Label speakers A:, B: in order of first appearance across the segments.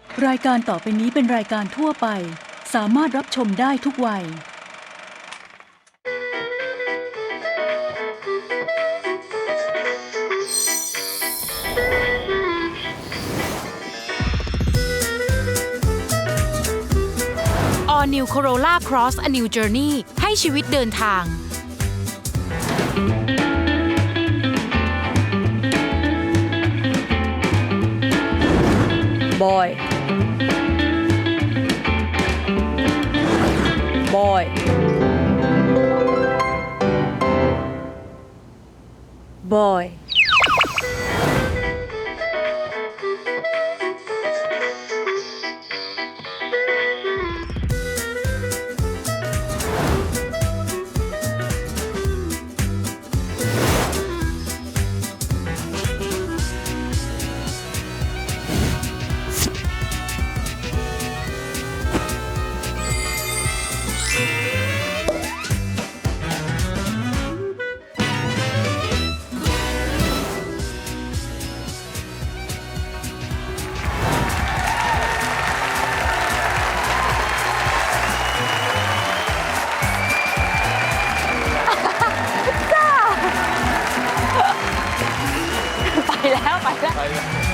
A: รายการต่อไปนี้เป็นรายการทั่วไปสามารถรับชมได้ทุกวัย
B: All New Corolla Cross A New Journey ให้ชีวิตเดินทาง
C: Boy Boy Boyไปแล้วสวัสดีค่ะ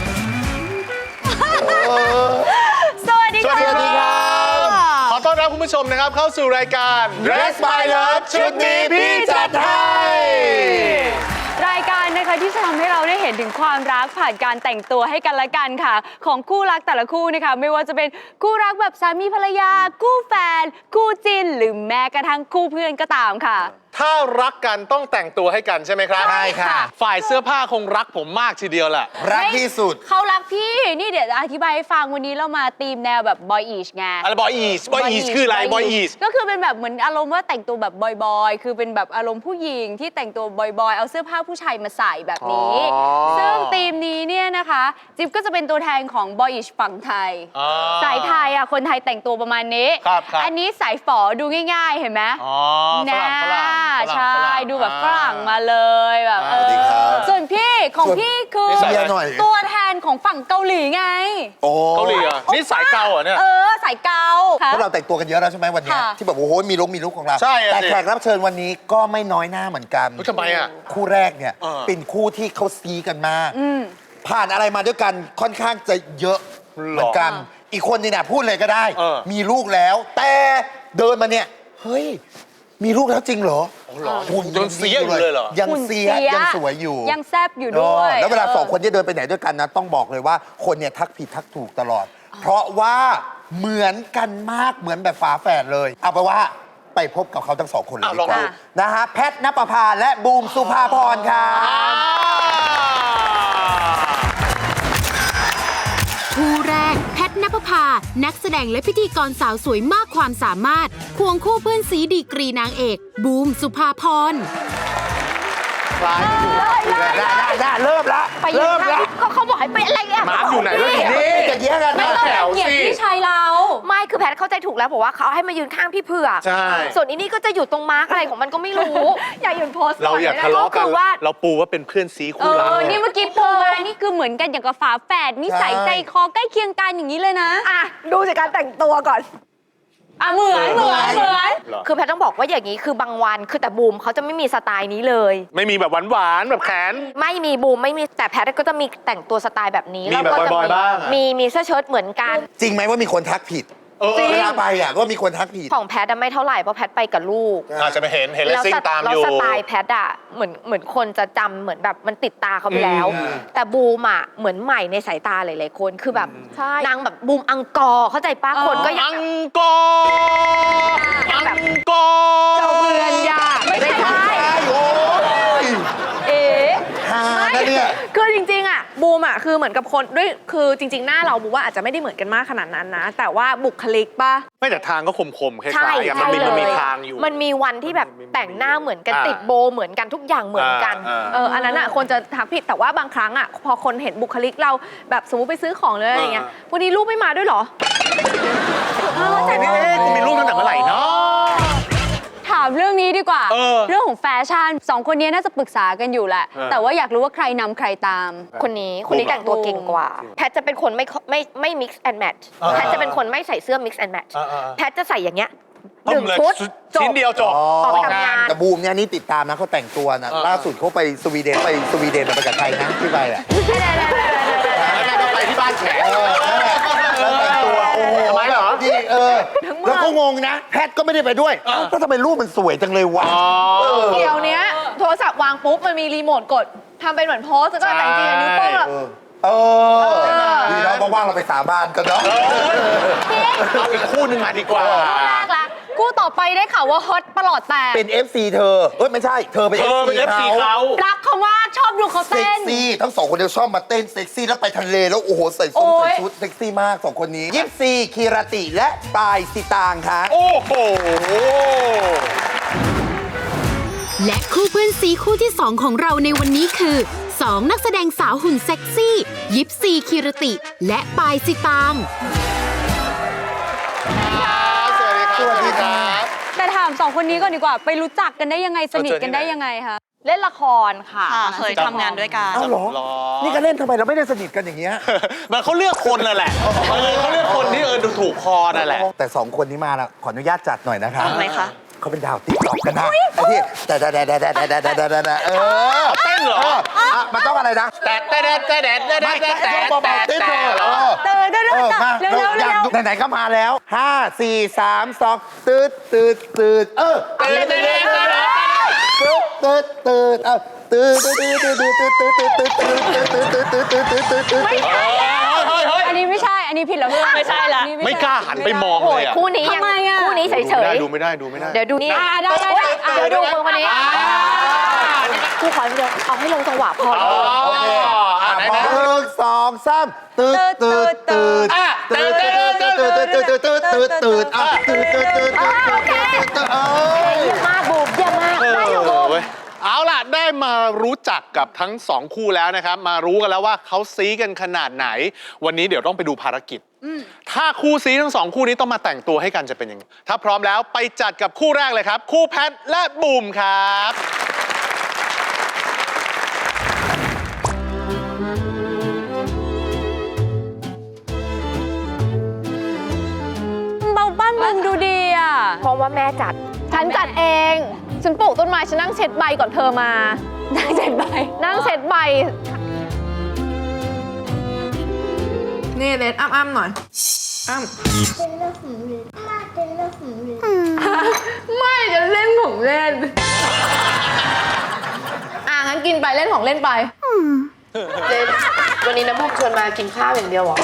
D: ขอต้อนรับคุณผู้ชมนะครับเข้าสู่รายการ Dress My Love ชุดนี้พี่จัดให้
C: รายการนะคะที่จะทำให้เราได้เห็นถึงความรักผ่านการแต่งตัวให้กันและกันค่ะของคู่รักแต่ละคู่นะคะไม่ว่าจะเป็นคู่รักแบบสามีภรรยาคู่แฟนคู่จิ้นหรือแม้กระทั่งคู่เพื่อนก็ตามค่ะ
D: ถ้ารักกันต้องแต่งตัวให้กันใช่ไหมครับ
E: ใช่ค่ะ
D: ฝ่ายเสื้อผ้าคงรักผมมากทีเดียวแหละ
E: รักที่สุด
C: เขารักพี่นี่เดี๋ยวอธิบายให้ฟังวันนี้เรามาธีมแนวแบบบอยอีชไง
D: อะไรบอยอีสคืออะไรบอยอีส
C: ก็คือเป็นแบบเหมือนอารมณ์ว่าแต่งตัวแบบบอยคือเป็นแบบอารมณ์ผู้หญิงที่แต่งตัวบอยเอาเสื้อผ้าผู้ชายมาใส่แบบนี้ซึ่งธีมนี้เนี่ยนะคะจิ๊บก็จะเป็นตัวแทนของบอยอีชฝั่งไทยสายไทยอ่ะคนไทยแต่งตัวประมาณนี้อันนี้สายฝอดูง่ายๆเห็นไหม
D: ฝรั่ง
C: ใช่ดูแบบฝรั่งมาเลยแบบส่วนพี่ของพี่คือตัวแทนของฝั่งเกาหลีไง
D: เกาหลีอ่ะนี่สายเกาอ่ะเนี่ย
C: สายเกา
E: พวกเราแต่งตัวกันเยอะแล้วใช่ไหมวันนี้ที่แบบโอ้โหมีลุคของเรา
D: ใช่
E: แต่แขกรับเชิญวันนี้ก็ไม่น้อยหน้าเหมือนกัน
D: ทำไมอ่ะ
E: คู่แรกเนี่ยเป็นคู่ที่เขาซีกันมากผ่านอะไรมาด้วยกันค่อนข้างจะเยอะเหมือนกันอีกคนนี่นะพูดเลยก็ได้มีลูกแล้วแต่เดินมาเนี่ยเฮ้ยมีลูกแล้วจริงเหรอ
D: หุ่นยังเสียอยู่เลยเหรอ
E: ยังเสียยังสวยอยู่
C: ยังแซ่บอยู่ด้วย
E: แล้วเวลาสองคนที่เดินไปไหนด้วยกันนะต้องบอกเลยว่าคนเนี่ยทักผิดทักถูกตลอดเพราะว่าเหมือนกันมากเหมือนแบบฝาแฝดเลยเอาไปว่าไปพบกับเขาทั้งสองคนเลยดีกว่านะฮะแพทณปภาและบูมสุภาพรครับ
B: คู่แรกแพทณปภานักแสดงและพิธีกรสาวสวยมากความสามารถควงคู่เพื่อนซีดีกรีนางเอกบูมสุภาพร
E: ได้เริ่มละ
F: ก็เขาบอกให้ไปอะไรเนี่ย
D: มาร์คอยู่ไหนแล้วทีนี้
E: จะเยี่ยกัน
C: ไม่ต้องเหยียบพี่ชายเรา
F: ไม่คือแพทเข้าใจถูกแล้วบอกว่าเขาให้มายืนข้างพี่เผือก
D: ใช่
F: ส่วนอีนี่ก็จะอยู่ตรงมาร์กอะไรของมันก็ไม่รู้ อยากยืนโพสต์
D: เราอยากทะเลาะกันเราปูว่าเป็นเพื่อนซีคู่รัก
C: นี่เมื่อกี้ปูมานี่คือเหมือนกันอย่างกับฝาแฝดนิสัยใจคอใกล้เคียงกันอย่างนี้เลยนะ
F: ดูจากการแต่งตัวก่อน
C: เหมือน
F: คือแพทต้องบอกว่าอย่างนี้คือบางวันคือแต่บูมเขาจะไม่มีสไตล์นี้เลย
D: ไม่มีแบบหวานแบบแขน
F: ไม่มีบูมไม่มีแต่แพทก็จะมีแต่งตัวสไตล์แบบนี้
D: มีแบบบอยๆบ้าง
F: มีเสื้อเชิ้ตเหมือนกัน
E: จริงไหมว่ามีคนทักผิดเวลาไปอ่ะก็มีคนทักผิด
F: ของแพทไม่เท่าไหร่เพราะแพทไปกับลูก
D: อาจจะไปเห็นแล้วซิ่งตามอยู่
F: แล้วสไตล์แพทอะเหมือนคนจะจำเหมือนแบบมันติดตาเขาไปแล้วแต่บูมอะเหมือนใหม่ในสายตาหลายๆคนคือแบบนางแบบบูมอังกอร์เข้าใจป้าคนก็
D: อังกอร์เจ้า
F: เบือนยาไม่ใช่
G: คือจริงๆอ่ะบูมอ่ะคือเหมือนกับคนด้วยคือจริงๆหน้าเราบูมว่าอาจจะไม่ได้เหมือนกันมากขนาดนั้นนะแต่ว่าบุคลิกป่ะ
D: ไม่แต่ทางก็คมๆคล้ายๆมันมีทางอยู่
F: มันมีวันที่แบบแต่งหน้าเหมือนกันติดโบเหมือนกันทุกอย่างเหมือนกัน
G: อันนั้นอ่ะคนจะทักผิดแต่ว่าบางครั้งอ่ะพอคนเห็นบุคลิกเราแบบสมมติไปซื้อของเลยอะไรเงี้ยวันนี้ลูกไม่มาด้วยเหรอ
D: แต่นี่กูมีลูกตั้งแต่เมื่อไหร่เนาะ
C: ถามามเรื่องนี้ดีกว่า
D: เรื่อง
C: ของแฟชั่นสองคนนี้น่าจะปรึกษากันอยู่แหละ แต่ว่าอยากรู้ว่าใครนำใครตาม
F: คนนี้แต่งตัวเก่งกว่า แพทจะเป็นคนไม่ mix and match แพทจะเป็นคนไม่ใส่เสื้อ mix and match แพทจะใส่อย่างเงี้ย1 ชุดจบ
D: ชิ้นเดียวจบ
F: ออกไปทำงาน
E: แต่บูมเนี่ยนี่ติดตามนะเขาแต่งตัวนะล่าสุดเขาไปสวีเดนไปกับใครนะที่ไปอ่ะ
D: ต้องไปที่บ้านแขก
E: แล้วแต่งตัวโอ้โห
D: ทำไมเหรอ
E: ดีแล้วก็งงนะ แพทก็ไม่ได้ไปด้วยแล้วทำไมรูปมันสวยจังเลยวะ
G: เดี๋ยวเนี้ยโทรศัพท์วางปุ๊บ มันมีรีโมทกดทำเป็นเหมือนโพสแล้วก็แต่จริงๆนิ้วโป้งแบบ
E: ดีแล้วว่างๆเราไปสาบานกันเนาะ
D: เอาอีกคู่หนึ่งมาดีกว่า
C: แรกละคู่ต่อไปได้ข่าวว่าฮอตประหลอดแตก
E: เป็น FC เธอไม่ใช่เธอเป็น FC เขา
C: รักเขามากชอบดูเขา
E: เซ็ก
C: เต้น
E: ซี่ทั้งสองคนเดียวชอบมาเต้นเซ็กซี่แล้วไปทะเลแล้วโอ้โหใส่
C: โอ้ย
E: ชุดเซ็กซี่มากสองคนนี้ยิปซีคีรติและปายสิตางค่ะ
D: โอ้โห
B: และคู่เพื่อนซีคู่ที่ 2 ของเราในวันนี้คือ 2 นักแสดงสาวหุ่นเซ็กซี่ ยิปซีคีรติ และปายสิตาง
D: สวัสดีครับ
C: แต่ถามสองคนนี้ก่อนดีกว่า ไปรู้จักกันได้ยังไงสนิทกันได้ยังไงคะ
F: เล่นละครค่ะ
H: เคยทำงานด้วยกัน
E: อ้าวเหรอ นี่ก็เล่นทำไมเราไม่ได้สนิทกันอย่างเงี้ย
D: มันเขาเลือกคนนั่นแหละเขาเลือกคนที่ดูถูกคอนั่นแหละ
E: แต่สองคนนี้มาแล้วขออนุญาตจัดหน่อยนะคะ
H: ทำไมคะ
E: เขาเป็นดาวติ๊กต็อกกันนะไอ้ที่แต่เต้นเหรอมันต้องอะไรนะ
D: แต่
E: เบาๆเต้นเถอะมาไหนๆก็มาแล้ว5 4 3 2ตืด
C: อันนี้ไม่ใช่ อันนี้ผิดแล้วเพื่อน
H: ไม่ใช่ละ
D: ไม่กล้าหันไปมองเลยอ่ะ
F: คู่นี้ยัง
C: ทำไมอะ
F: คู่นี้เฉย
D: ดูไม่ได้
F: ๆ เดี๋ยวดูนี่
C: ได้
F: เดี๋ยวดูคนนี้คู่ขอเดียวเอาให้ลงจังหวะพอ
E: โอเค1 2 3ตืด
F: เยี่ยมมากบูมเยี่ยมมากได้อยู่บูม
D: เอาล่ะ ได้มารู้จักกับทั้งสองคู่แล้วนะครับ มารู้กันแล้วว่าเขาซี้กันขนาดไหน วันนี้เดี๋ยวต้องไปดูภารกิจ ถ้าคู่ซี้ทั้งสองคู่นี้ต้องมาแต่งตัวให้กันจะเป็นยังไง ถ้าพร้อมแล้วไปจัดกับคู่แรกเลยครับ คู่แพทและบูมครับ
C: เบาบ้านมึงดูดีอ่ะ
F: เพราะว่าแม่จัด
G: ฉันจัดเอง ฉันปลูกต้นไม้ ฉันนั่งเช็ดใบก่อนเธอมา
C: นั่งเจ็ดใบ
G: นั่งเช็ดใบ นี่เลดอ้ำหน่อย อ้ำไม่จะเล่นของเล่น งั้นกินไปเล่นของเล่นไป
F: วันนี้น้ำพุชวนมากินข้าวอย่างเดียวเหรอ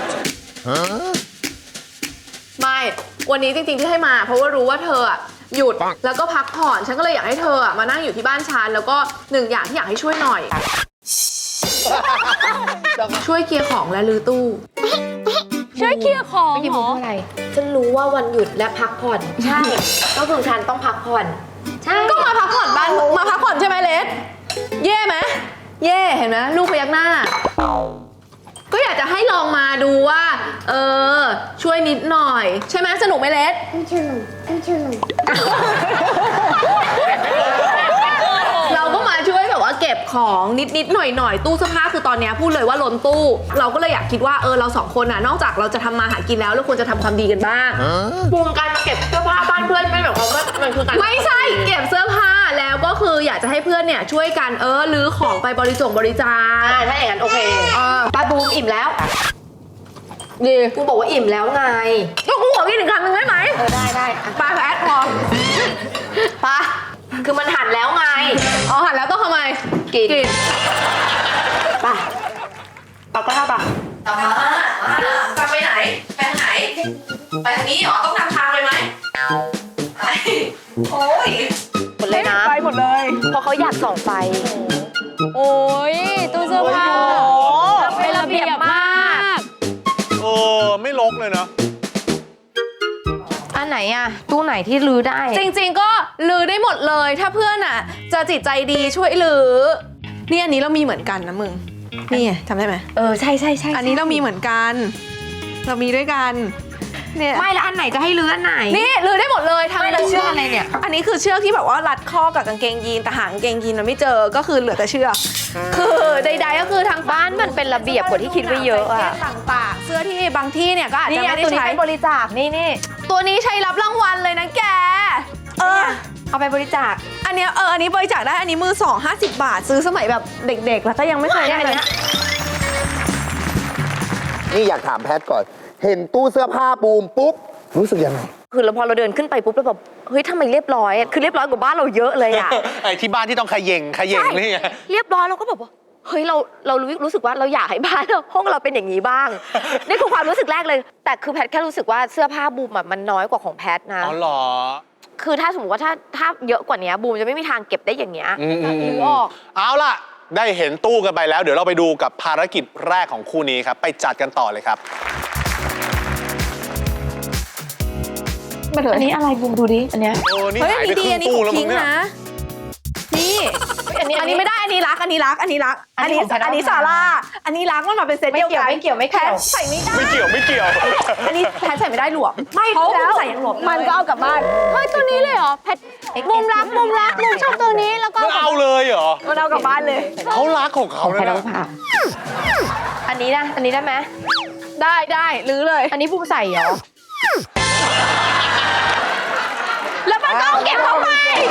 G: ไม่ วันนี้จริงๆที่ให้มา เพราะว่ารู้ว่าเธออะหยุดแล้วก็พักผ่อน ฉันก็เลยอยากให้เธออะมานั่งอยู่ที่บ้านฉันแล้วก็หนึ่งอย่างที่อยากให้ช่วยหน่อย ช่วยเคลียร์ของและรื้อตู้
C: ช่วยเคลียร์ของ
F: ไม่
C: เหร
F: พูด
C: อ
F: อะไร ฉันรู้ว่าวันหยุดและพักผ่อน ใช่ ก็คือฉันต้องพักผ่อน ใช่
G: ก็มาพักผ่อนบ้านมาพักผ่อนใช่ไหมเลสเย่ไหมเย่เห็นไหมลูกพยักหน้า ก็อยากจะให้ลองมาดูว่า ช่วยนิดหน่อย ใช่ไหมสนุกไหมเลสเราก็มาช่วยแบบว่าเก็บของนิดๆหน่อยๆตู้เสื้อผ้าคือตอนเนี้ยพูดเลยว่าล้นตู้ เราก็เลยอยากคิดว่าเราสองคนน่ะนอกจากเราจะทำมาหากินแล้วเราควรจะทำความดีกันบ้าง
F: บูมการมาเก็บเสื้อผ้าบ้านเพื่อนไม่แบบเขามันคือการ
G: ไม่ใช่เก็บเสื้อผ้าแล้วก็คืออยากจะให้เพื่อนเนี่ยช่วยกันรื้อของไปบริจาค
F: ถ้าอย่างนั้นโอเคป้าบูมอิ่มแล้ว
G: ดี
F: กูบอกว่าอิ่มแล้วไง
G: ก็กูขอกินอีกคำหนึ่งได้ไหม
F: ได้
G: ปลาแพทพอปลา
F: คือมันหั่นแล้วไง
G: หันแล้วต้องทำไม
F: กินป่ะเอาก็ได้ป่ะจะไปไหน ไปทางไหน ไปทางนี้เหรอ ต้องนำทางเลยไหมโอ้ยหมดเลยนะ
G: ไปหมดเลย
F: เพราะเขาอยากส่องไฟ
C: โอ้ยตู้เสื้อผ้าเป็นระเบียบมาก
D: ไม่ลกเลยเนาะ
F: อันไหนอะตู้ไหนที่รื้อได้
G: จริงๆก็ลือได้หมดเลย ถ้าเพื่อนอ่ะ จะจิตใจดีช่วยลือนี่อันนี้เรามีเหมือนกันนะมึง นี่ไงจำได้ไหม
F: ใช่
G: อันนี้เรามีเหมือนกัน เรามีด้วยกันเนี่ย
F: ไม่แล้วอันไหนจะให้ลื้ออันไหน
G: นี่ลือได้หมดเลยทั้ง
F: ไม่แล้วเชือกอะไรเนี่ย
G: อันนี้คือเชือกที่แบบว่ารัดข้อกับกางเกงยีนแต่หางกางเกงยีนมันไม่เจอก็คือเหลือแต่เชือกคือใดๆก็คือทาง
F: บ้านมันเป็นระเบียบกว่าที่คิดไว้เยอะอะ
G: ต่างๆเสื้อที่บางที่เนี่ยก็อาจจะไม่ได้
F: ตัวนี้
G: ใช้
F: เป็นบริจาคนี่
G: ตัวนี้ใช้รับรางวัลเลยนะแก
F: เอาไปบริจาค
G: อันเนี้ยอันนี้บริจาคได้อันนี้มือ2 50 บาท ซื้อสมัยแบบเด็กๆ แล้วก็ยังไม่เคยได้เลย
E: นี่อยากถามแพทก่อน เห็นตู้เสื้อผ้าบูมปุ๊บ รู้สึกยังไง
F: คือเราพอเราเดินขึ้นไปปุ๊บเราแบบเฮ้ยทำไมเรียบร้อยอะคือเรียบร้อยกว่าบ้านเราเยอะเลยอะ
D: ไอ้ที่บ้านที่ต้องขย่งนี่ไง
F: เรียบร้อยเราก็แบบว่าเฮ้ยเรารู้สึกว่าเราอยากให้บ้านห้องเราเป็นอย่างนี้บ้าง นี่คือความรู้สึกแรกเลย แต่คือแพทแค่รู้สึกว่าเสื้อผ้าบูมอะมันน้อยกว่าของแพทนะ
D: อ๋อเหรอ
F: คือถ้าสมมติว่าถ้าเยอะกว่านี้บูมจะไม่มีทางเก็บได้อย่างเงี้ย
G: นึกออก
D: เอาล่ะ ได้เห็นตู้กันไปแล้ว เดี๋ยวเราไปดูกับภารกิจแรกของคู่นี้ครับ ไปจัดกันต่อเลยครับ
F: อันนี้อะไรบูมดูดิอันเนี้ย
D: โอ้นี่
G: เฮ้ย
D: หา
G: อั
D: ย
G: น
D: ไป
G: นี้
D: ค
G: ดี
D: รึ่ง
G: อันนี้
D: ตู้
G: ของ
D: แล้ว
G: พิ
D: มั้
G: ง
D: ง
G: ค์
D: เนี่ย
G: นะนี่ อันนี้ไม่ได้อันนี้รักอันนี้รักอันนี้รัก
F: อันนี้ของแพท
G: อันนี้ซาร่าอันนี้รักมันมาเป็นเซตเดียวกัน
F: ไม่เกี่ยว
G: แพทใส่ไม่ได้
D: ไม่เกี่ยว
G: อันนี้แพทใส่ไม่ได้หลวมไม่เพราะว่าคุณใส่ยังหลวมเลย
C: มันก็เอากลับบ้าน เฮ้ย ตัวนี้เลยเหรอแพทมุมรักมุมชอบตัวนี้แล้วก็
D: มันเอาเลยเหรอ
G: มันเอากลับบ้านเลย
D: เขารักของเขา
F: แพท
D: นะ
F: ต้องผ่าอันนี้นะอันนี้ได้ไหม
G: ได้ลื้อเลย
F: อันนี้บูมใส่เหรอ
G: แล้วมันก็เอาเก็บเข้าไป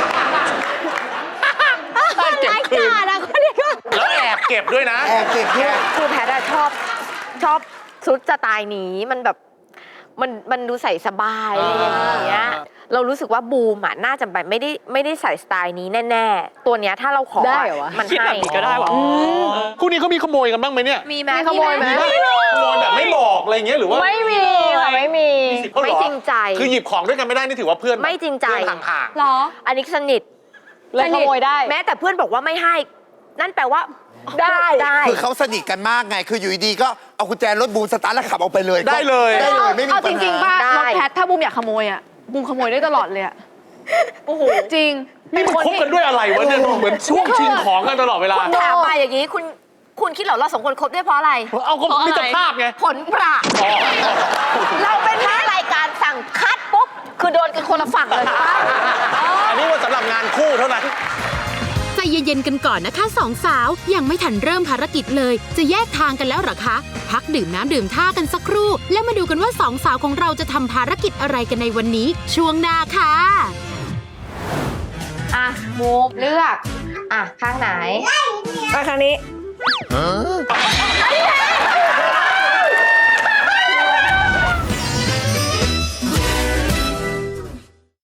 D: เก็บคืนแล้วแอบเก็บด้วยนะ
E: แอบเก็บด้วย
F: คือแพทอะชอบชุดสไตล์นี้มันแบบมันดูใส่สบายอะไรอย่างเงี้ยเรารู้สึกว่าบูมอะน่าจะแบบไม่ได้ใส่สไตล์นี้แน่ๆตัวเนี้ยถ้าเราขอ
C: ได้เหรอวะ
F: มัน
D: คิด
F: ให้
D: แบบนี้ก็ได้วะคู่นี้เขามีขโมยกันบ้างไหมเนี่ย
F: มีไหม
G: มีขโมยไหม
D: ขโมยแบบไม่บอกอะไรอย่างเงี้ยหรือว่า
C: ไม่มีค่ะไม่มี
D: สิทธิ์เขาเหรอ
F: ไม่จริงใจ
D: คือหยิบของด้วยกันไม่ได้นี่ถือว่าเพื่อน
F: ไม่จริงใจ
D: เพื่อนห่าง
C: เหรอ
F: อันนี้สนิท
C: เลยขโมยได้
F: แม้แต่เพื่อนบอกว่าไม่ให้ นั่นแปลว่าได้
E: คือเขาสนิทกันมากไง คืออยู่ดีๆก็เอากุญแจรถบูมสตาร์ทแล้วขับออกไปเลย
D: ได้เลย
E: ได้เลยไม่มี
G: เอา
E: ปั
G: จ
E: ญ
G: ริงๆ
E: หา
G: ป่ะ
F: ได้
G: รถแพทถ้าบูมอยากขโมยอ่ะบูมขโมยได้ตลอดเลยอ่ะโอ้โหจริง
D: ๆนี่มันคบกันด้วยอะไรวะเนี่ยเหมือนช่วงชิงของกันตลอดเวลา
F: ถามมาอย่างนี้คุณคิดเหรอเราสองคนคบได้เพราะอะไร
D: เอาก็มิตรภาพไง
F: ผลประ
D: อ๋อ
F: เราเป็นแค่รายการสั่งคัดปุ๊บคือโดนกันคนละฝั่งเลย
D: อันนี้ว่าสำหรับงานคู่เท่านั้น
B: ใจเย็นๆกันก่อนนะคะสองสาวยังไม่ทันเริ่มภารกิจเลย จะแยกทางกันแล้วเหรอคะ พักดื่มน้ำดื่มท่ากันสักครู่ แล้วมาดูกันว่าสองสาวของเราจะทำภารกิจอะไรกันในวันนี้ ช่วงหน้าค่ะ
F: อ่ะมูฟเลือก อ่ะ ข้างไหน
G: มาครั้งนี้
E: ฮะ